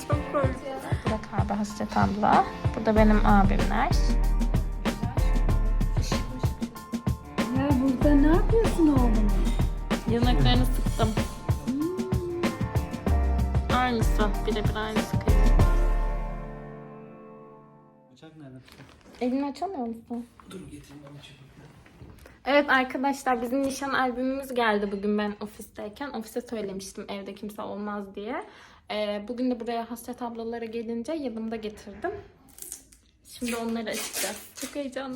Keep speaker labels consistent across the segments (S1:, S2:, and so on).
S1: Çok korkunç. Burak abi, Hasret abla. Burada benim abimler.
S2: Ya burada ne yapıyorsun oğlum?
S1: Yanaklarını sıktım. Aynısı. Birebir aynısı kıyım.
S3: Bıçak nerede?
S1: Elini açamıyor musun?
S3: Dur getireyim ben bıçağı.
S1: Evet arkadaşlar, bizim nişan albümümüz geldi bugün ben ofisteyken. Ofise söylemiştim evde kimse olmaz diye. Bugün de buraya Hasret ablalara gelince yanımda getirdim. Şimdi onları açacağız. Çok heyecanlı.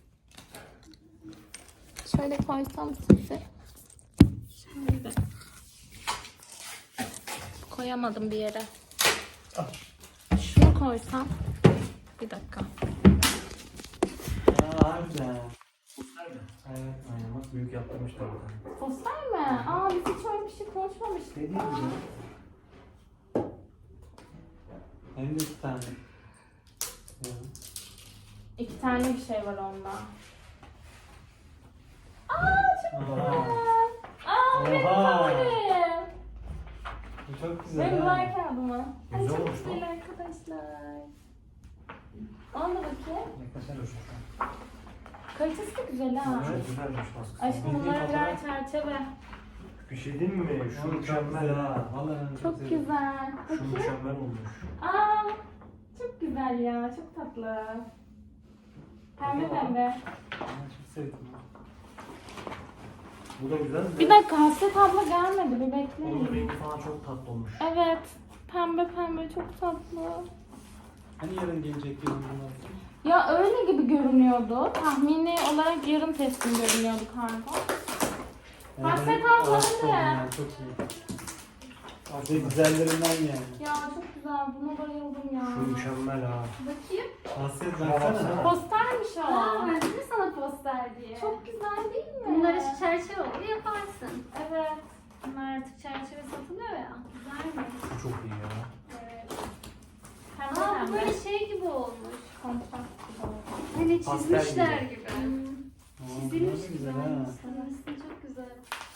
S1: Şöyle koysam size. Şöyle. Koyamadım bir yere. Şunu koysam. Bir dakika.
S3: Harbiden. Evet, aynen bak büyük yaptırmışlar burada.
S1: Poster mi? Aa, biz hiç öyle bir şey konuşmamıştık.
S3: Dediğim gibi. Hem de iki tane. Ya.
S1: 2 tane bir şey var onda. Aa, çok güzel. Aa, benim
S3: Oha.
S1: favorim.
S3: Bu çok güzel.
S1: Benim
S3: ha.
S1: var kağıdıma. Ay,
S3: Güzel
S1: çok
S3: olmuş
S1: güzel
S3: lan.
S1: arkadaşlar. Ona da bakayım.
S3: Yaklaşar o şu an.
S1: Kalitesi de güzel ha.
S3: Çok güzelmiş baskısı.
S1: Aşkım bunlara birer çerçeve.
S3: Bir şey değil mi? Şu mükemmel ha. Vallahi ben
S1: Çok
S3: sevdim.
S1: güzel.
S3: Şu
S1: Bakayım.
S3: mükemmel olmuş.
S1: Aa, çok güzel ya. Çok tatlı. Pembe pembe.
S3: Ben çok sevdim. Bu da güzel mi?
S1: Bir dakika, Hasret abla gelmedi. Bir
S3: Onun
S1: bekleyin.
S3: rengi falan çok tatlı olmuş.
S1: Evet. Pembe pembe çok tatlı.
S3: Hani yarın gelecek diyorum bunlar.
S1: Ya öyle gibi görünüyordu. Tahmini olarak yarım teslim görünüyordu kargo. Hasret abla
S3: aşık oldum
S1: hadi.
S3: ya, çok iyi. Hasret güzellerinden yani.
S1: Ya çok güzel. Buna bayıldım ya.
S3: Şu mükemmel ha.
S1: Bakayım.
S3: Hasret
S4: Şuna
S3: baksana.
S4: baksana.
S1: Postermiş o.
S2: Aa, ben dedim sana poster diye.
S1: Çok güzel değil mi?
S2: Bunları çerçeve olur yaparsın.
S1: Evet.
S2: Bunlar artık çerçeve satılıyor ya. Güzelmiş.
S3: Bu çok iyi ya.
S1: Evet. Pembe
S2: Aa, bu
S1: pembe.
S2: böyle şey gibi olmuş.
S1: Kontrast gibi oldu.
S2: Hani
S3: Pastel
S2: çizmişler
S3: gibi.
S2: gibi.
S3: Aa,
S2: Çizilmiş
S3: bunlar da
S2: gibi.
S3: güzel ha.
S2: Aslında çok güzel.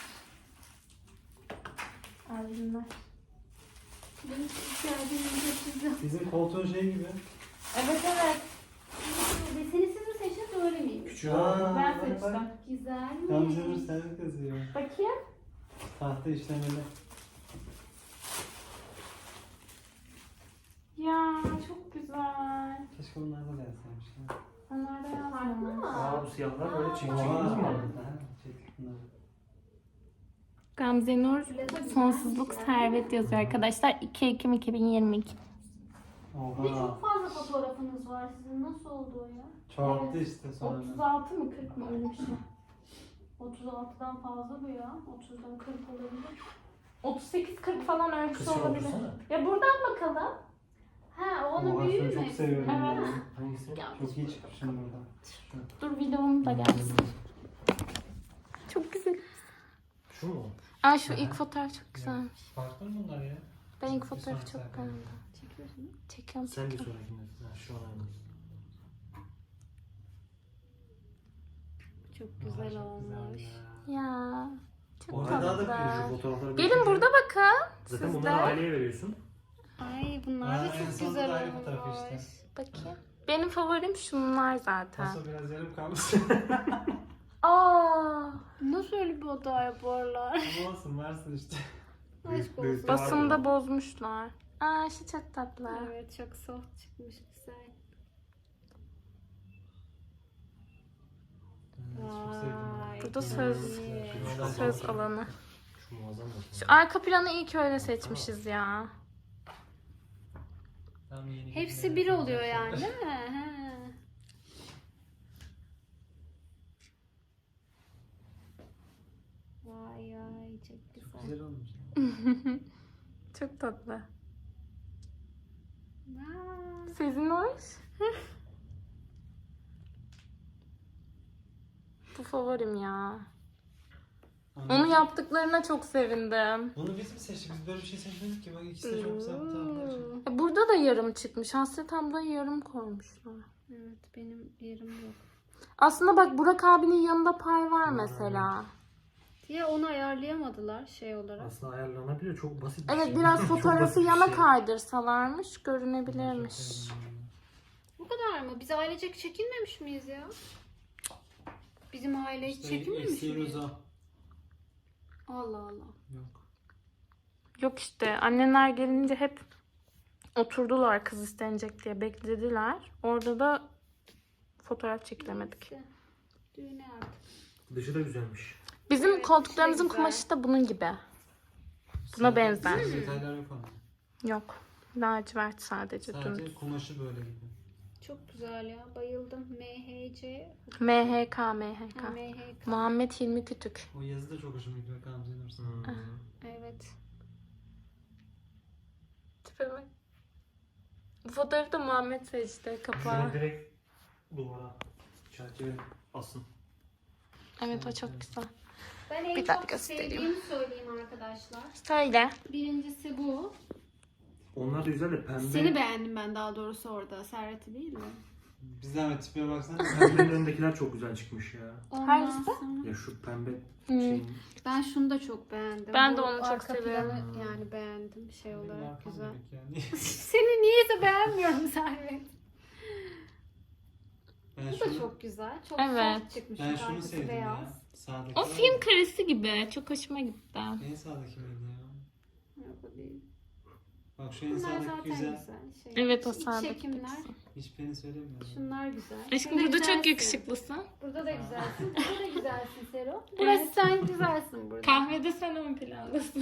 S1: Albümler.
S2: Benim ihtiyacım çok güzel.
S3: Bizim koltuğun şey gibi.
S1: Evet evet.
S2: Deseni siz mi seçtiniz öyle miymiş?
S3: Küçük
S1: Ben
S3: bak,
S1: seçtim.
S3: bak.
S2: Güzelmiş.
S3: Gamze'nin sen kızıyor.
S1: Bakayım.
S3: Tahta işlemeli.
S1: Ya çok güzel.
S3: Keşke bunlar da yazsaymış. ya.
S1: Onlar da
S2: Farklı
S1: yazmamış.
S2: mı?
S4: Aa, bu siyahlar böyle çiğ
S3: Oha.
S4: çiğ mi oldu?
S3: Ha, çektik bunları.
S1: Gamze Nur Sonsuzluk Servet yazıyor arkadaşlar. 2 Ekim 2022.
S2: Bir de
S3: Oha.
S2: çok fazla fotoğrafınız var sizin. Nasıl oldu o ya?
S3: Çoğalttı işte sonra.
S1: 36 mı 40 mı öyle bir şey.
S2: 36'dan fazla bu ya. 30'dan 40 olabilir.
S1: 38-40 falan ölçüsü
S4: Kısır
S1: olabilir.
S4: oldursana.
S1: Ya buradan bakalım.
S2: Ha, onun
S3: Oha,
S2: büyüğü
S3: şunu
S2: mü?
S3: çok seviyorum ya.
S1: Evet.
S4: Hangisi?
S3: Çok iyi çıkmışım burada.
S1: Dur videom da gelsin. Çok güzel.
S4: Şu mu?
S1: Aa, şu ilk fotoğraf çok güzelmiş.
S3: Farklı mı bunlar ya?
S1: Ben ilk
S3: Bir
S1: fotoğrafı
S3: sonraki
S1: çok
S3: sayfada.
S1: beğendim.
S2: Çekiyorsun.
S1: Çekiyorum
S4: Sen bir
S1: çekiyorum.
S4: sonrakinde. Ha, şu an aynı.
S2: Çok
S3: Aa,
S2: güzel
S3: çok
S2: olmuş.
S3: güzel ya.
S1: Ya. Çok
S4: Orada daha da büyüyor şu
S1: tatlı.
S4: fotoğrafları.
S1: Gelin
S4: büyütünce.
S1: burada bakın.
S4: Zaten
S1: Siz
S4: bunları
S1: de.
S4: aileye veriyorsun.
S2: Ay bunlar
S3: Aa,
S2: da
S3: en
S2: çok
S3: sonunda
S2: güzel
S3: da ayrı
S2: olmuş.
S3: fotoğrafı işte.
S1: Bakayım. Benim favorim şunlar zaten.
S3: Paso biraz yarım kalmış.
S1: Aa.
S2: Nasıl öyle bir oda yaparlar?
S3: Ama olsun varsın işte.
S2: Aşk
S4: büyük
S2: olsun.
S4: de
S1: Basında
S4: vardı.
S1: bozmuşlar. Aa, şu çok tatlı.
S2: Evet çok soft çıkmış güzel.
S3: Çok sevdim.
S2: Vay,
S1: Burada
S2: güzel.
S1: söz alanı.
S4: Şu muazzam da.
S1: Şu arka planı iyi ki öyle seçmişiz ya.
S3: Tam yeni
S2: Hepsi
S3: günler
S2: bir
S3: yapacak
S2: oluyor
S3: şeyler.
S2: yani değil mi? He. Vay vay çok güzel.
S3: Çok güzel olmuş.
S1: Çok tatlı.
S2: Aa,
S1: Sizin hoş. Bu favorim ya. Onu yaptıklarına çok sevindim.
S3: Bunu biz mi seçtik? Biz böyle bir şey seçmedik ki. Bak ikisi de çok güzel fotoğraflar çıktı.
S1: Burada da yarım çıkmış. Hasret ablayı yarım koymuşlar.
S2: Evet benim yerim yok.
S1: Aslında bak, Burak abinin yanında pay var mesela.
S2: Ya onu ayarlayamadılar şey olarak.
S4: Aslında ayarlanabiliyor. Çok basit bir
S1: Evet
S4: şey.
S1: biraz
S4: Çok
S1: fotoğrafı
S4: basit bir
S1: yana
S4: şey.
S1: kaydırsalarmış görünebilirmiş.
S2: Bu kadar mı? Biz ailecek çekilmemiş miyiz ya? Bizim aile hiç çekilmemiş
S4: Eksiğimiz
S2: miyiz?
S4: o.
S2: Allah Allah.
S4: Yok.
S1: Yok işte annenler gelince hep oturdular kız istenecek diye beklediler. Orada da fotoğraf çekilemedik.
S2: İşte, düğüne artık.
S4: Dışı da güzelmiş.
S1: Bizim
S2: Evet,
S1: koltuklarımızın
S2: şey güzel.
S1: kumaşı da bunun gibi. Buna benzer.
S5: Detaylar yok ama.
S1: Yok. Lacivert sadece
S5: Sadece
S1: dümdüz.
S5: kumaşı böyle gibi.
S2: Çok güzel ya. Bayıldım. MHC.
S1: MHK.
S2: Ha, MHK.
S1: Muhammed Hilmi Kütük.
S5: O yazı da çok hoşuma gidiyor Gamze Nursen.
S2: Evet.
S1: Tipime. Bu fotoğrafı da Muhammed seçti kapağı.
S4: Şunu direkt duvara çerçeve asın.
S1: Evet o çok güzel.
S2: Ben en
S1: Bir dakika
S2: çok
S1: göstereyim.
S2: sevdiğimi söyleyeyim arkadaşlar.
S1: Söyle.
S2: Birincisi bu.
S4: Onlar da güzel de pembe.
S2: Seni beğendim ben daha doğrusu orada. Servet'i değil mi?
S5: Bir zahmet tipine baksana.
S4: Pembenin önündekiler çok güzel çıkmış ya.
S2: Ondan
S1: Hangisi?
S2: sonra-
S4: Ya şu pembe
S1: Hmm.
S4: şeyin.
S2: Ben şunu da çok beğendim.
S1: Ben de
S2: Bu
S1: onu çok
S2: arka
S1: seviyorum.
S2: planı yani beğendim şey olarak
S5: Arkam
S2: güzel.
S5: demek yani.
S2: Seni niyeyse beğenmiyorum Servet.
S5: Ben
S2: Bu da
S5: şunu,
S2: çok güzel. Çok
S1: Evet.
S2: soft çıkmış.
S5: ben şunu
S2: Arkası
S5: sevdim
S2: beyaz.
S5: ya. Sağdaki
S1: O
S5: var
S1: film
S5: ya.
S1: karesi gibi. Çok hoşuma gitti.
S5: En sağdaki miydi ya?
S2: Yok o değil.
S5: Bak şu en
S2: Bunlar
S5: sağdaki
S2: zaten
S5: güzel.
S2: güzel. Şey,
S1: Evet o
S2: iç
S1: sağdaki.
S2: çekimler.
S5: Hiç beni söylemiyor.
S2: Şunlar güzel.
S1: Aşkım
S2: Şurada
S1: burada çok
S2: güzelsin.
S1: yakışıklısın.
S2: Burada da güzelsin. Burada da güzelsin Sero. Burası sen güzelsin burada.
S1: Kahvede sen ön plandasın.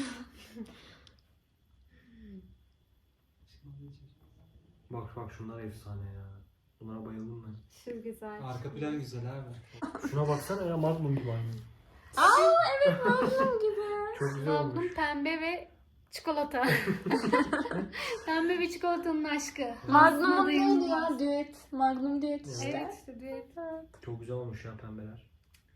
S4: Bak şunlar efsane ya. Bunlara bayıldım ben.
S2: Şu güzel.
S5: Arka plan güzel abi.
S4: Şuna baksana ya, Magnum gibi aynı.
S1: Aa evet Magnum gibi.
S4: Çok güzel olmuş.
S2: Magnum pembe ve çikolata. Pembe ve çikolatanın aşkı.
S1: Magnum
S2: Aslında
S1: neydi
S2: dayanılmaz.
S1: ya? Düet. Magnum düet işte.
S2: Evet işte düet.
S4: Çok güzel olmuş ya pembeler.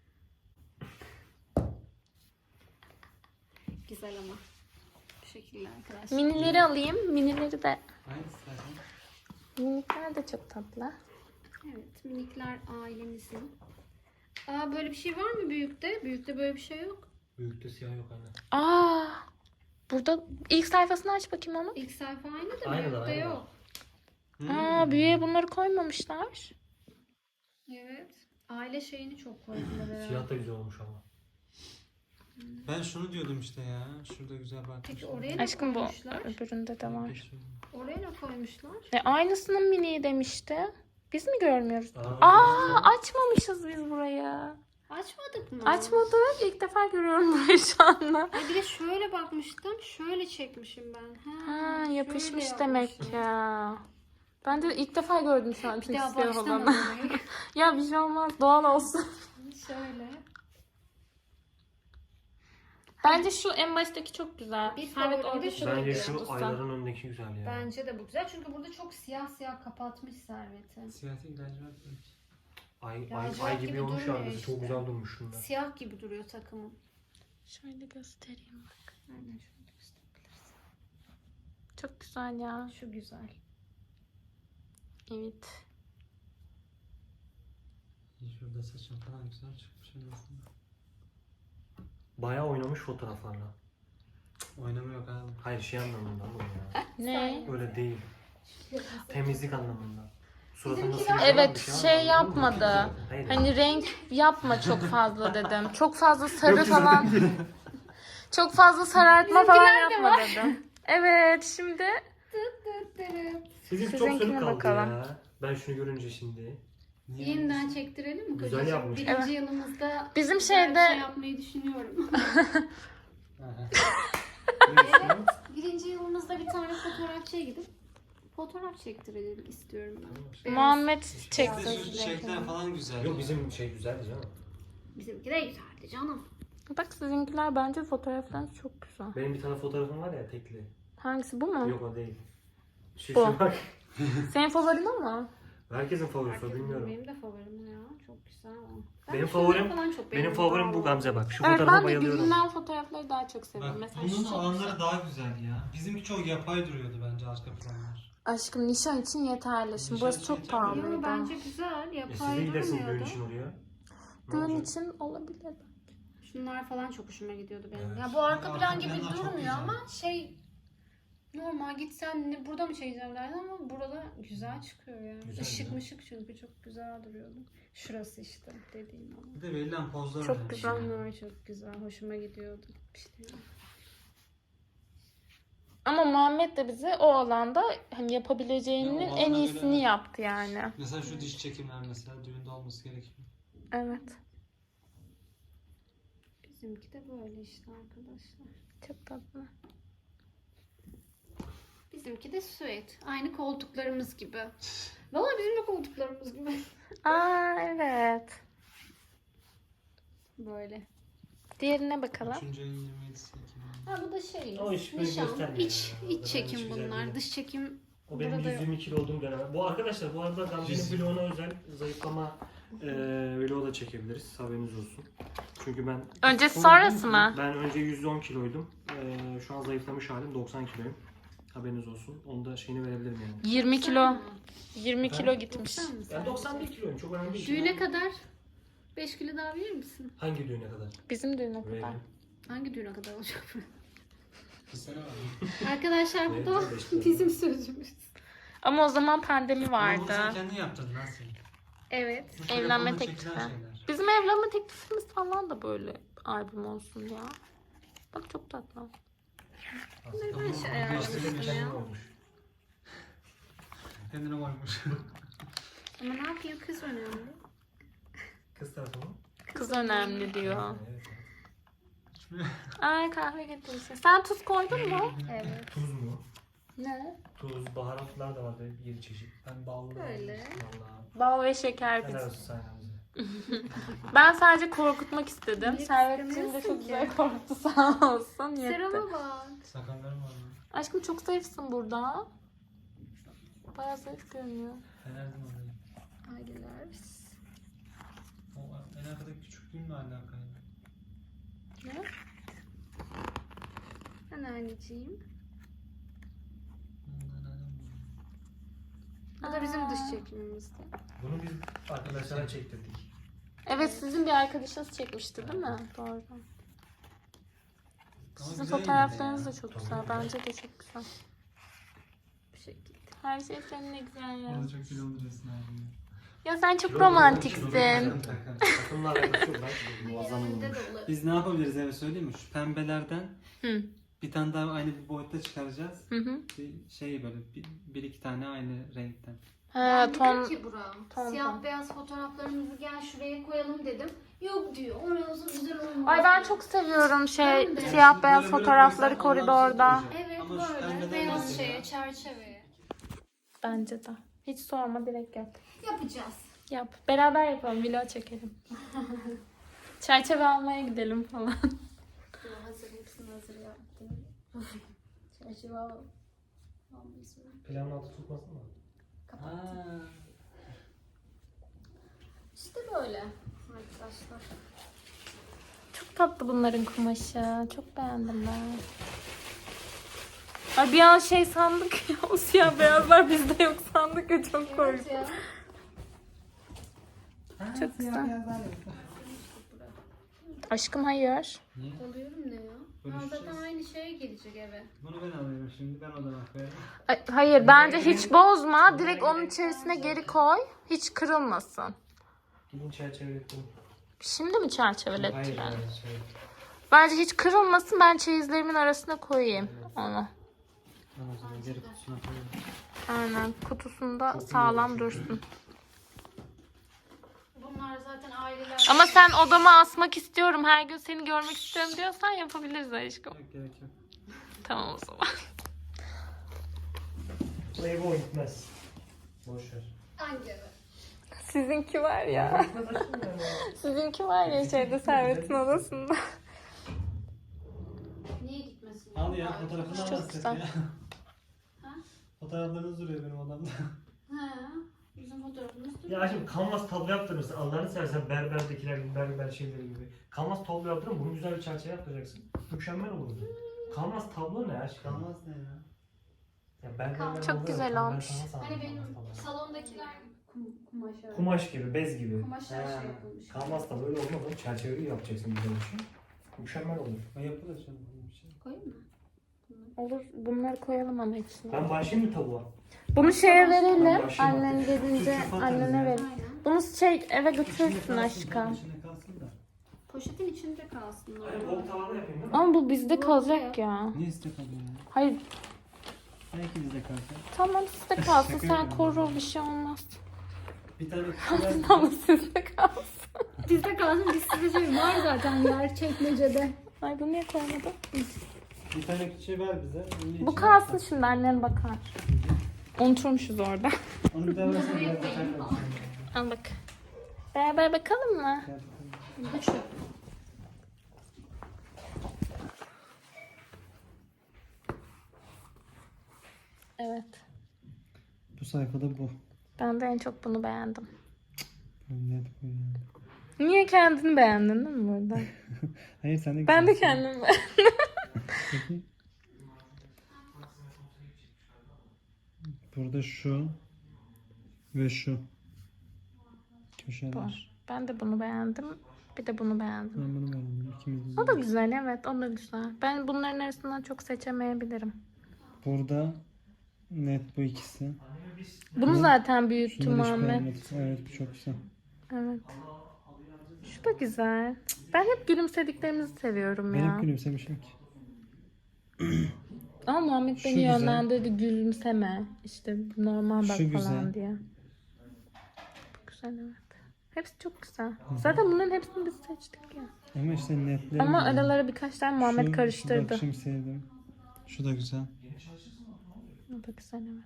S2: Güzel ama. Bu şekilde arkadaşlar.
S1: Minileri alayım. Minileri de.
S5: Hangisi zaten?
S1: Minikler de çok tatlı.
S2: Evet minikler ailemizin. Aa böyle bir şey var mı büyükte? Büyükte böyle bir şey yok.
S4: Büyükte siyah yok anne.
S1: Aa. Burada ilk sayfasını aç bakayım onu.
S2: İlk sayfa aynı da
S4: Aynı da,
S2: büyükte
S4: aynı da.
S2: yok.
S1: Aa büyüğe bunları koymamışlar.
S2: Evet. Aile şeyini çok koydular herhalde.
S4: Siyah da güzel olmuş ama.
S5: Ben şunu diyordum işte ya. Şurada güzel bakmışlar.
S2: Peki oraya ne
S1: Aşkım bu
S2: koymuşlar?
S1: öbüründe de var.
S2: Oraya ne koymuşlar?
S1: Aynısının miniği demişti. Biz mi görmüyoruz?
S4: Aa,
S1: Aa açmamışız biz burayı.
S2: Açmadık mı?
S1: Açmadık. İlk defa görüyorum burayı şu anda.
S2: Ay bir de şöyle bakmıştım. Şöyle çekmişim ben.
S1: Ha
S2: şöyle
S1: yapışmış demek
S2: yapmışım.
S1: ya. Ben de ilk defa gördüm şu an
S2: Bir
S1: çünkü
S2: daha
S1: siyah
S2: baştan
S1: olanı.
S2: alayım.
S1: Ya bir şey olmaz doğal olsun.
S2: Şöyle.
S1: Bence şu en baştaki çok güzel.
S2: Bir
S1: Servet
S2: favori
S1: orada
S2: de
S1: şu
S4: Bence
S1: bekliyor.
S4: şu ayların önündeki güzel ya.
S2: Bence de bu güzel. Çünkü burada çok siyah siyah kapatmış Servet'i.
S5: Siyah değil lacivert demek.
S4: Ay
S2: Lacivert
S4: gibi
S2: gibi
S4: olmuş
S2: durmuyor
S4: arkası.
S2: işte.
S4: Çok güzel durmuş şunda.
S2: Siyah gibi duruyor takımın.
S1: Şöyle göstereyim bak.
S2: Aynen şöyle gösterebilirsin.
S1: Çok güzel ya.
S2: Şu güzel.
S1: Evet.
S5: Şurada saçım falan güzel çıkmış en azından.
S4: Bayağı oynamış fotoğraflarla.
S5: Oynama yok abi.
S4: Hayır şey anlamında oğlum ya.
S1: Ne?
S4: Öyle değil. Temizlik anlamında. Suratında
S2: Bizimkiler-
S4: sivilce var,
S1: Evet
S4: bir
S1: şey
S4: var.
S1: yapmadı.
S4: Hayır.
S1: Hani renk yapma çok fazla dedim. Çok fazla sarı falan. Çok fazla sarartma falan yapma dedim. Evet şimdi
S4: Bizim çok
S1: Sizinkine
S4: sönük kaldı
S1: bakalım.
S4: ya. Ben şunu görünce şimdi.
S5: Niye
S2: Yeniden çektirelim mi
S4: Güzel
S2: kocacığım?
S4: yapmış.
S2: Birinci
S1: Evet.
S2: yılımızda
S1: bizim
S2: güzel bir
S1: şeyde
S2: şey yapmayı düşünüyorum.
S5: Aha.
S2: Evet. Birinci yılımızda bir tane fotoğrafçıya gidip fotoğraf çektirelim istiyorum ben. Beyaz.
S1: Muhammed
S5: İşte
S1: çekti.
S5: şu çiçekler falan güzel.
S4: Yok bizim şey güzeldi canım.
S2: Bizimki de güzeldi canım.
S1: Bak sizinkiler bence fotoğraflarınız çok güzel.
S4: Benim bir tane fotoğrafım var ya tekli.
S1: Hangisi bu mu?
S4: Yok o değil. Şu
S1: Bu.
S4: bak.
S1: Senin favorin o mu?
S4: Herkesin favorisi o
S2: Herkesin-
S4: bilmiyorum.
S2: Benim de favorim ya. Çok güzel o. Ben
S4: Benim
S2: şunları
S4: favorim-
S2: falan çok
S4: Benim
S2: beğendim.
S4: favorim bu
S2: Bravo.
S4: Gamze bak. Şu
S1: Evet
S4: fotoğrafa
S1: ben de
S4: bayılıyorum.
S1: görünen fotoğrafları daha çok seviyorum.
S5: Bak
S1: Mesela şu
S5: bunun
S1: çok
S5: alanları
S1: güzel.
S5: daha güzel ya. Bizimki çok yapay duruyordu bence arka planlar.
S1: Aşkım nişan için yeterli. Şimdi
S5: Nişan
S1: burası
S5: için
S1: çok
S5: yeterli.
S1: pahalıydı.
S2: Yo, bence güzel.
S4: Siz de
S2: Yapay
S4: gidersiniz düğün
S2: durmuyordu.
S4: için oraya. Ne
S1: Düğün
S4: olacak?
S1: için olabilir.
S2: Şunlar falan çok hoşuma gidiyordu benim.
S5: Evet.
S2: Ya bu arka
S5: Arka
S2: plan gibi
S5: planlar çok
S2: durmuyor
S5: güzel.
S2: ama normal gitsen ne burada mı çekeceğim derdim ama burada güzel çıkıyor ya.
S4: Güzel,
S2: Işık
S4: güzel.
S2: mışık çünkü çok güzel duruyordu. Şurası işte dediğim ama.
S5: Bir de verilen pozlar
S1: Çok
S5: önemli.
S1: güzel.
S2: Bunlar çok güzel. Hoşuma gidiyordu. İşte
S1: Ama Muhammed de bize o alanda hani yapabileceğinin
S5: Ya, o
S1: en
S5: alana
S1: iyisini
S5: göre-
S1: yaptı yani.
S5: Mesela şu diş çekimler mesela düğünde olması gerekiyor.
S1: Evet.
S2: bizimki de böyle işte arkadaşlar.
S1: Çok tatlı.
S2: Bizimki de süet. Aynı koltuklarımız gibi. Vallahi bizim de koltuklarımız gibi.
S1: Aa evet.
S2: Böyle.
S1: Diğerine bakalım.
S5: 3. ayın 27'si Ekim.
S2: Ha bu da şey.
S4: O iş böyle
S2: Nişan.
S4: göstermiyor
S2: İç,
S4: ya.
S2: iç
S4: Ben
S2: çekim
S4: hiç güzel
S2: bunlar.
S4: değil.
S2: Dış çekim
S4: O benim
S2: burada
S4: 122 kilo olduğum dönem. Bu arkadaşlar bu arada Gamze'nin
S5: 120.
S4: vloguna özel zayıflama vlogu da çekebiliriz. Haberiniz olsun. Çünkü ben...
S1: Öncesi sonrası mı?
S4: Ben önce 110 kiloydum. Şu an zayıflamış halim 90 kiloyum. Haberiniz olsun. Onu da şeyini verebilirim yani.
S1: 20 kilo. 20
S4: Ben-
S1: kilo gitmiş.
S2: 90 mı
S4: Ben
S2: sadece?
S4: 91 kiloyum. Çok önemli değil.
S2: Düğüne kadar 5 kilo daha verir misin?
S4: Hangi düğüne kadar?
S1: Bizim düğüne kadar.
S4: Veririm.
S2: Hangi düğüne kadar olacak bu?
S5: Bir sene var.
S2: Arkadaşlar bu da
S4: Veririm, 5 kilo.
S2: bizim sözümüz.
S1: Ama o zaman pandemi
S5: Ama bunu sen
S1: vardı.
S5: kendin yaptırdın lan sen.
S2: Evet.
S5: Bu
S1: Evlenme
S5: telefonla
S1: teklifi.
S5: çekilen şeyler.
S1: Bizim evlenme teklifimiz falan da böyle albüm olsun ya. Bak çok tatlı.
S2: Neden şey
S5: Ama
S2: ayarlamışsın
S4: Geçen
S2: ya?
S4: yıl olmuş.
S5: Kendine varmış.
S2: Ama ne yapayım kız önemli.
S4: Kız tarafı mı?
S1: Kız önemli diyor.
S4: Evet.
S1: Ay kahve getirmişsin. Sen tuz koydun mu?
S2: Evet.
S4: Tuz mu?
S1: Ne?
S4: Tuz, baharatlar da vardı 7 çeşit. Ben ballı.
S2: Öyle.
S4: Vallahi.
S1: Bal ve şeker
S4: Helal
S1: biz.
S4: olsun sayenizde.
S1: Ben sadece korkutmak istedim.
S2: Niye
S1: Servetciğim de
S2: istemiyorsun
S1: çok
S2: ki?
S1: güzel korktu sağ olsun. Yetti.
S2: Serama bak.
S5: Sakallarım var mı?
S1: Aşkım çok zayıfsın burada. Bayağı zayıf görünüyor.
S5: Fenerdim orayı.
S2: Aileler.
S5: O en arkadaki küçüklüğümle alakalı.
S1: Ne?
S2: Anneanneciğim. Bu da bizim dış çekimimizdi.
S4: Bunu biz arkadaşlara çektirdik.
S1: Evet sizin bir arkadaşınız çekmişti değil mi? Doğru.
S5: Ama
S1: Sizin
S5: güzel
S1: fotoğraflarınız
S5: yine
S1: da
S5: de
S1: çok
S4: Tabii.
S1: güzel. Bence de çok güzel.
S2: Bu şekilde.
S1: Her şey senin ne güzel ya.
S5: Orada çok kilolu duruyorsun abi.
S1: Ya sen çok
S4: Kilo-
S1: romantiksin.
S4: Takımla alakası yok. Ben muazzam
S2: Önünde
S4: olmuş.
S2: dolu.
S5: Biz ne yapabiliriz eve söyleyeyim mi? Şu pembelerden
S1: Hı.
S5: bir tane daha aynı bir boyutta çıkaracağız.
S1: Hı hı.
S5: Bir şey böyle bir iki tane aynı renkten.
S1: Ha,
S2: Ben
S1: ton.
S2: dedim ki Burak'a,
S1: ton.
S2: siyah beyaz fotoğraflarımızı gel şuraya koyalım dedim. Yok diyor. Orası güzel olmaz.
S1: Ay ben
S2: diyor.
S1: çok seviyorum
S2: Ben de.
S1: siyah beyaz
S5: Böyle böyle
S1: fotoğrafları
S5: koysan onlar
S1: koridorda.
S5: güzel olacak.
S2: Evet
S5: Ama şu
S2: böyle
S5: pembeden
S2: beyaz
S5: mesela-
S2: şeye, çerçeveye.
S1: Bence de. Hiç sorma direkt yap.
S2: Yapacağız.
S1: Yap. Beraber yapalım. Vlog çekelim. Çerçeve almaya gidelim falan.
S2: Hazır hepsini hazır yaptım. Çerçeve al.
S4: Planın altı tutmasın mı?
S5: Ha.
S2: İşte böyle arkadaşlar.
S1: Çok tatlı bunların kumaşı. Çok beğendim ben. Ay bir an şey sandık ya. O siyah beyazlar bizde yok sandık ya. Çok korktum.
S2: ya.
S1: Çok güzel. Aşkım hayır.
S5: Niye?
S2: Alıyorum ne ya?
S5: Bölüşeceğiz.
S2: Zaten aynı şeye gelecek eve.
S5: Bunu ben alıyorum şimdi. Ben odama koyarım.
S1: Ay, hayır bence hiç bozma. Direkt onun içerisine geri koy. Hiç kırılmasın.
S4: Gidin çerçevelettim.
S1: Şimdi mi çerçevelettiler?
S5: Hayır. Şey.
S1: Bence hiç kırılmasın. Ben çeyizlerimin arasına koyayım onu.
S5: Ben o zaman geri kutusuna koyarım.
S1: Aynen. Kutusunda sağlam dursun.
S2: Bunlar zaten aileler.
S1: Ama sen odama asmak istiyorum, her gün seni görmek istiyorum diyorsan yapabiliriz aşkım.
S5: Yok gerek yok.
S1: Tamam o zaman.
S4: Playboy gitmez. Boş ver.
S2: Hangi eve?
S1: Sizinki var ya.
S4: Gitmez aşkım yani.
S1: Sizinki var ya şeyde Servet'in odasında.
S2: Niye gitmesin?
S5: Al ya fotoğrafını
S1: Çok
S5: almazsak
S1: güzel.
S5: ya.
S2: Ha?
S5: Fotoğraflarınız duruyor benim odamda.
S2: Ha, bizim fotoğrafımız duruyor.
S4: Ya şimdi kanvas tablo yaptırırsın. Allah'ını seversen berberdekiler gibi, berber şeyleri gibi. Kanvas tablo yaptırın, bunu güzel bir çerçeve yaptıracaksın. Mükemmel olurdu. Kanvas tablo ne aşkım?
S5: Kalmaz ne ya?
S4: Ya berberler
S1: Çok
S4: oluyor,
S1: güzel
S4: ben
S1: olmuş.
S4: sana sandım
S2: Hani
S4: kanvas
S2: benim
S4: tablo.
S2: salondakiler kumaş öyle.
S4: Kumaş gibi, bez gibi.
S2: Kumaşlar
S5: Ha.
S2: şey yapılmış.
S4: Kanvas da böyle olmaz oğlum. Çerçeveyi yapacaksın güzel bir şey. Mükemmel olur.
S5: O yapılır canım. Bir şey.
S2: Koyayım mı?
S1: Olur, bunları koyalım ama hepsini.
S4: Ben başlayayım mı tavuğa?
S1: Bunu şeye verelim.
S4: başlayayım
S1: Annen gelince
S5: Türkçe falan
S1: annene
S5: ya.
S1: verelim.
S2: Aynen.
S1: Bunu eve
S5: İçinde
S1: götürürsün
S5: kalsın,
S1: aşkım.
S5: içinde kalsın da.
S2: Poşetin içinde kalsın.
S4: Hani bol tavada yapayım değil mi?
S1: Ama bu bizde kalacak ya.
S5: Niye istek alıyor ya?
S1: Hayır,
S5: Belki bizde kalsın.
S1: tamam sizde kalsın.
S5: Şaka
S1: Sen
S5: yapıyorum.
S1: koru, bir şey olmaz.
S5: Bir tane kişi
S1: Ama sizde kalsın.
S2: Bizde kalsın. Biz size şey var zaten yer çekmecede.
S1: Ay bunu niye koymadın?
S5: Bir tane kişi ver bize. Onun
S1: Bu
S5: içine
S1: kalsın
S5: at.
S1: şimdi, annen bakar. Unuturmuşuz orada.
S5: Onu bir daha versene. Biraz bakar mısın?
S1: Al bak. Beraber bakalım mı?
S5: Gel bakalım.
S2: Bu şu.
S1: Evet.
S5: Bu sayfada bu.
S1: Ben de en çok bunu beğendim.
S5: Net bu yani.
S1: Niye kendini beğendin değil mi burada?
S5: Hayır sen de
S1: Ben de
S5: güzelsin.
S1: kendimi beğendim.
S5: Burada şu ve şu köşeler.
S1: Var. Ben de bunu beğendim. Bir de bunu beğendim.
S5: Ben bunu beğendim. İkimiz de.
S1: O da güzel, evet, o da güzel. Ben bunların arasından çok seçemeyebilirim.
S5: Burada net bu ikisi.
S1: Bunu zaten büyüttüm
S5: Şunları hiç
S1: Ahmet.
S5: beğenmedim. Evet bu çok güzel.
S1: Evet. Şu da güzel. Ben hep gülümsediklerimizi seviyorum
S5: Ben
S1: ya.
S5: hep gülümsemişim ki.
S1: Ama Muhammed
S5: Şu
S1: beni
S5: güzel.
S1: yönlendirdi, gülümseme. İşte normal bak
S5: Şu
S1: falan
S5: güzel.
S1: diye. Bu güzel, evet. Hepsi çok güzel. Zaten bunların hepsini biz seçtik ya.
S5: Ama işte netleri
S1: Ama
S5: güzel.
S1: aralara birkaç tane Muhammed
S5: Şu
S1: karıştırdı.
S5: bakışım sevdim. Şu da güzel.
S1: O da güzel, evet.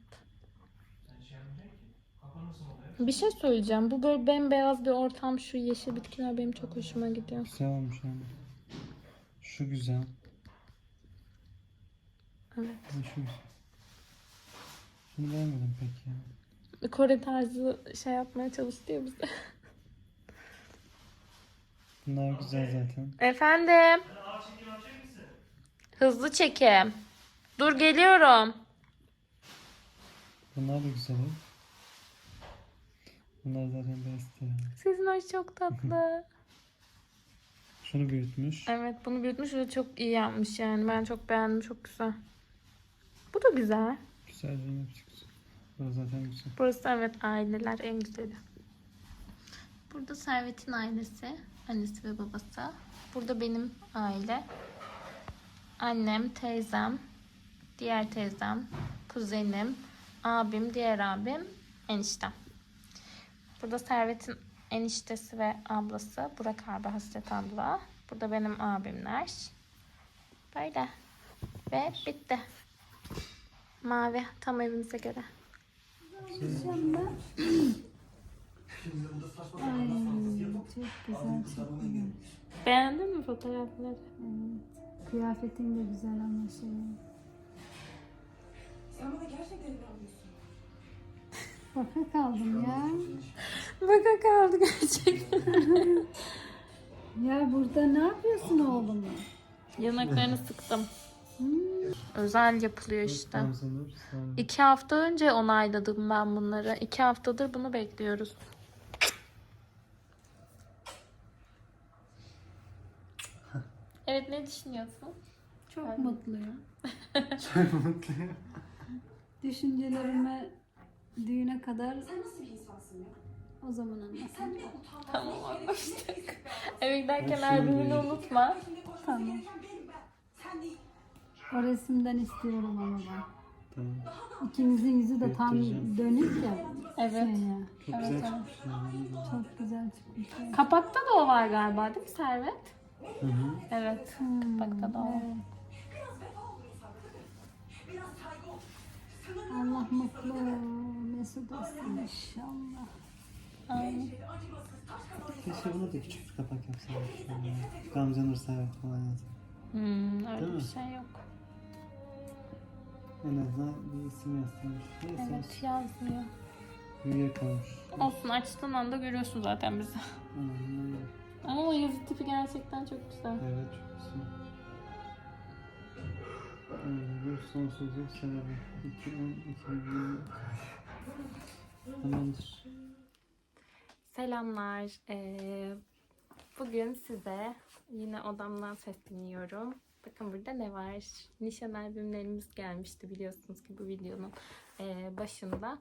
S1: Bir şey söyleyeceğim. Bu böyle bembeyaz bir ortam, şu yeşil bitkiler benim çok hoşuma gidiyor.
S5: Güzel olmuş yani. Şu güzel.
S1: Evet.
S5: Şu güzel. Şunu beğenmedim pek ya.
S1: Kore tarzı şey yapmaya çalıştı ya bize.
S5: Bunlar güzel zaten.
S1: Efendim. Hızlı çekim. Dur geliyorum.
S5: Bunlar da güzel. Bunlar zaten best ya.
S1: Sizin hoş çok tatlı.
S5: Şunu büyütmüş.
S1: Evet, bunu büyütmüş ve çok iyi yapmış yani. Ben çok beğendim, çok güzel. Bu da güzel.
S5: Güzel canım hepsi güzel. Burası zaten güzel.
S1: Burası evet aileler en güzeli. Burada Servet'in ailesi. Annesi ve babası. Burada benim aile. Annem, teyzem, diğer teyzem, kuzenim, abim, diğer abim, eniştem. Burada Servet'in eniştesi ve ablası. Burak abi, Hasret abla. Burada benim abimler. Böyle. Ve bitti. Mavi. Tam evimize göre.
S2: Ay, çok güzel, çok güzel.
S1: Beğendin mi fotoğrafları?
S2: Evet. Kıyafetin de güzel ama şey. Baka kaldım ya.
S1: Baka kaldı gerçekten.
S2: Ya burada ne yapıyorsun oğlum?
S1: Yanaklarını sıktım. Özel yapılıyor işte.
S5: Gamze'nin sağ ol.
S1: 2 hafta önce onayladım ben bunları. 2 haftadır bunu bekliyoruz. Evet, ne düşünüyorsun?
S2: Çok mutluyum.
S5: Çok mutluyum.
S2: Düşüncelerime düğüne kadar o zaman anlasın.
S1: Tamam, anlaştık. Eve giderken albümünü unutma.
S2: Tamam. O resimden istiyorum ama ben.
S5: Tamam.
S2: İkimizin yüzü de tam
S5: Göstereceğim.
S2: dönük ya.
S1: Evet.
S2: Şey ya.
S5: Çok güzel çıkmış. Yani.
S2: Çok güzel çıkmış. ya.
S1: Kapakta da o var galiba, değil mi Servet?
S5: Hı hı.
S1: Evet. Kapakta da o.
S2: Evet. Allah mutlu mesut etsin inşallah.
S1: Aynen.
S5: Keşke buna da küçük bir kapak yapsaydık. Yani. Gamze Nur Servet falan yazar.
S1: Öyle
S5: Değil
S1: bir
S5: mi?
S1: şey yok.
S5: En azından bir isim yazsaymış. Neyse
S1: Evet, yazmıyor.
S5: büyüye kalmış.
S1: Olsun, açtığın anda görüyorsun zaten bizi.
S5: Aynen.
S1: Ama o yazı tipi gerçekten çok güzel.
S5: Evet çok güzel. Bu sonsuzluk sebebi. 2020. Tamamdır.
S1: Selamlar. Bugün size yine odamdan sesleniyorum. Bakın burada ne var? Nişan albümlerimiz gelmişti biliyorsunuz ki bu videonun başında.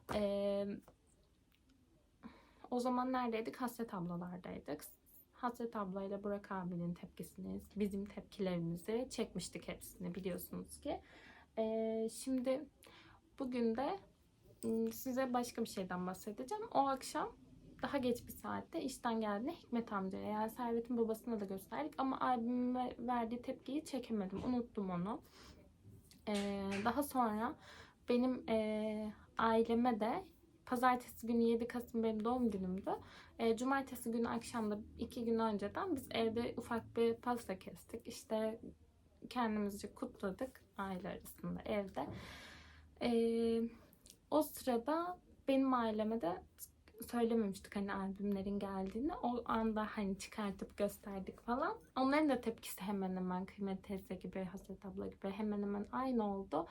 S1: O zaman neredeydik? Hasret ablalardaydık. Hasret ablayla Burak abinin tepkisini, bizim tepkilerimizi çekmiştik hepsini biliyorsunuz ki. Şimdi bugün de size başka bir şeyden bahsedeceğim. O akşam daha geç bir saatte işten geldiğinde Hikmet amcaya, yani Servet'in babasına da gösterdik ama albüme verdiği tepkiyi çekemedim. Unuttum onu. Daha sonra benim aileme de pazartesi günü 7 Kasım benim doğum günümdü. Cumartesi günü akşamda 2 gün önceden biz evde ufak bir pasta kestik. İşte kendimizce kutladık aile arasında evde. O sırada benim aileme de söylememiştik hani albümlerin geldiğini. O anda hani çıkartıp gösterdik falan. Onların da tepkisi hemen hemen Kıymet teyze gibi, Hasret abla gibi hemen hemen aynı oldu.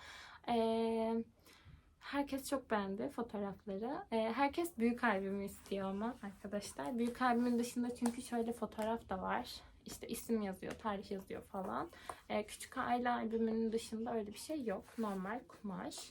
S1: Herkes çok beğendi fotoğrafları. Herkes büyük albümü istiyor ama arkadaşlar. Büyük albümün dışında çünkü şöyle fotoğraf da var. İşte isim yazıyor, tarih yazıyor falan. Küçük aile albümünün dışında öyle bir şey yok. Normal kumaş.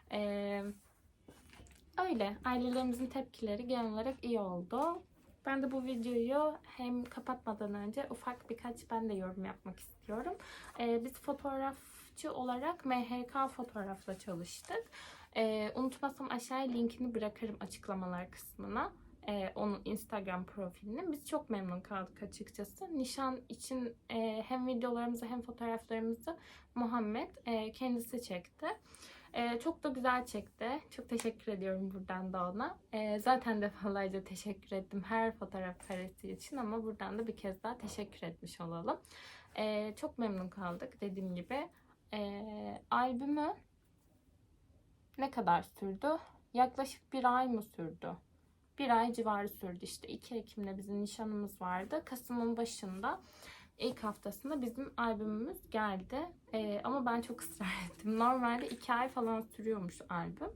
S1: Öyle. Ailelerimizin tepkileri genel olarak iyi oldu. Ben de bu videoyu hem kapatmadan önce ufak birkaç ben de yorum yapmak istiyorum. Biz fotoğrafçı olarak MHK fotoğrafla çalıştık. Unutmazsam aşağıya linkini bırakırım açıklamalar kısmına. Onun Instagram profilini. Biz çok memnun kaldık açıkçası. Nişan için hem videolarımızı hem fotoğraflarımızı Muhammed kendisi çekti. Çok da güzel çekti. Çok teşekkür ediyorum buradan da ona. Zaten defalarca teşekkür ettim her fotoğraf karesi için ama buradan da bir kez daha teşekkür etmiş olalım. Çok memnun kaldık dediğim gibi. Albümü ne kadar sürdü? Yaklaşık 1 ay mı sürdü? 1 ay civarı sürdü işte. 2 Ekim'de bizim nişanımız vardı. Kasım'ın başında ilk haftasında bizim albümümüz geldi. Ama ben çok ısrar ettim. Normalde 2 ay falan sürüyormuş albüm.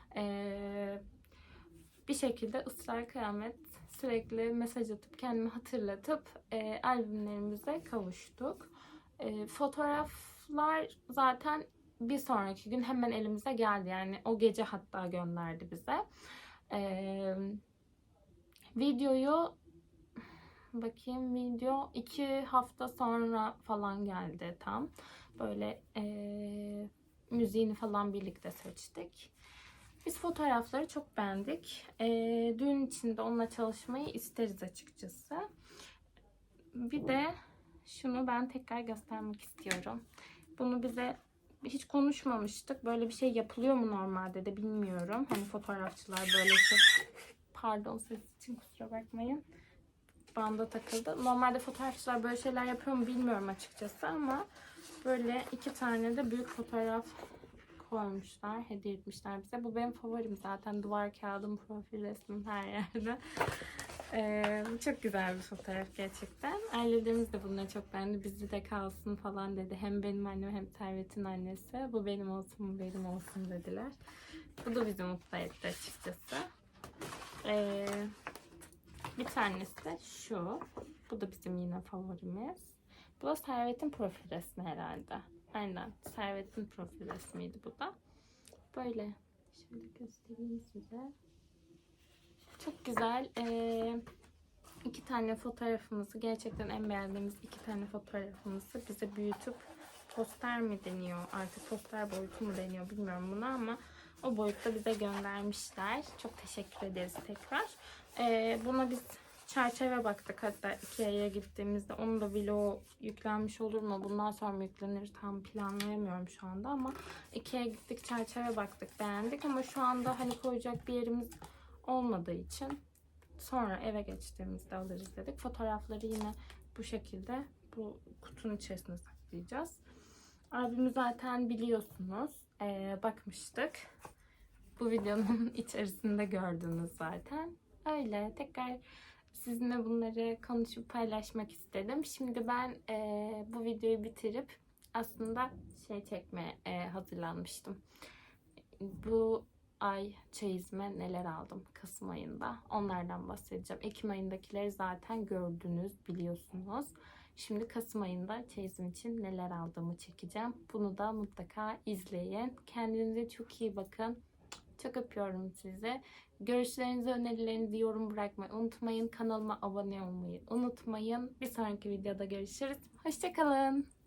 S1: Bir şekilde ısrar kıyamet sürekli mesaj atıp kendimi hatırlatıp albümlerimize kavuştuk. Fotoğraflar zaten bir sonraki gün hemen elimize geldi. Yani o gece hatta gönderdi bize. Videoyu video 2 hafta sonra falan geldi tam. Böyle müziğini falan birlikte seçtik. Biz fotoğrafları çok beğendik. Düğün içinde onunla çalışmayı isteriz açıkçası. Bir de şunu ben tekrar göstermek istiyorum. Bunu bize hiç konuşmamıştık. Böyle bir şey yapılıyor mu normalde de bilmiyorum. Hani fotoğrafçılar böyle şey... Pardon ses için kusura bakmayın. Banda takıldı. Normalde fotoğrafçılar böyle şeyler yapıyor mu bilmiyorum açıkçası ama böyle 2 tane de büyük fotoğraf koymuşlar, hediye etmişler bize. Bu benim favorim zaten. Duvar kağıdım, profil resmim her yerde. Çok güzel bir fotoğraf gerçekten. Ailelerimiz de bunları çok beğendi. Bizde de kalsın falan dedi. Hem benim annem hem Servet'in annesi. Bu benim olsun, bu benim olsun dediler. Bu da bizi mutlu etti açıkçası. Bir tanesi de şu. Bu da bizim yine favorimiz. Bu da Servet'in profil resmi herhalde. Aynen. Servet'in profil resmiydi bu da. Böyle. Şöyle göstereyim size. Çok güzel. 2 tane fotoğrafımızı, gerçekten en beğendiğimiz 2 tane fotoğrafımızı bize büyütüp poster mi deniyor? Artık poster boyutu mu deniyor bilmiyorum buna ama o boyutta bize göndermişler. Çok teşekkür ederiz tekrar. Buna biz çerçeve baktık. Hatta Ikea'ya gittiğimizde onun da vlog yüklenmiş olur mu? Bundan sonra mı yüklenir? Tam planlayamıyorum şu anda ama Ikea'ya gittik, çerçeve baktık, beğendik ama şu anda hani koyacak bir yerimiz olmadığı için sonra eve geçtiğimizde alırız dedik. Fotoğrafları yine bu şekilde bu kutunun içerisine saklayacağız. Albümü zaten biliyorsunuz. Bakmıştık. Bu videonun içerisinde gördünüz zaten. Öyle. Tekrar sizinle bunları konuşup paylaşmak istedim. Şimdi ben bu videoyu bitirip aslında şey çekmeye hazırlanmıştım. Bu ay çeyizime neler aldım Kasım ayında. Onlardan bahsedeceğim. Ekim ayındakileri zaten gördünüz, biliyorsunuz. Şimdi Kasım ayında çeyizim için neler aldığımı çekeceğim. Bunu da mutlaka izleyin. Kendinize çok iyi bakın. Çok öpüyorum sizi. Görüşlerinizi, önerilerinizi yorum bırakmayı unutmayın. Kanalıma abone olmayı unutmayın. Bir sonraki videoda görüşürüz. Hoşça kalın.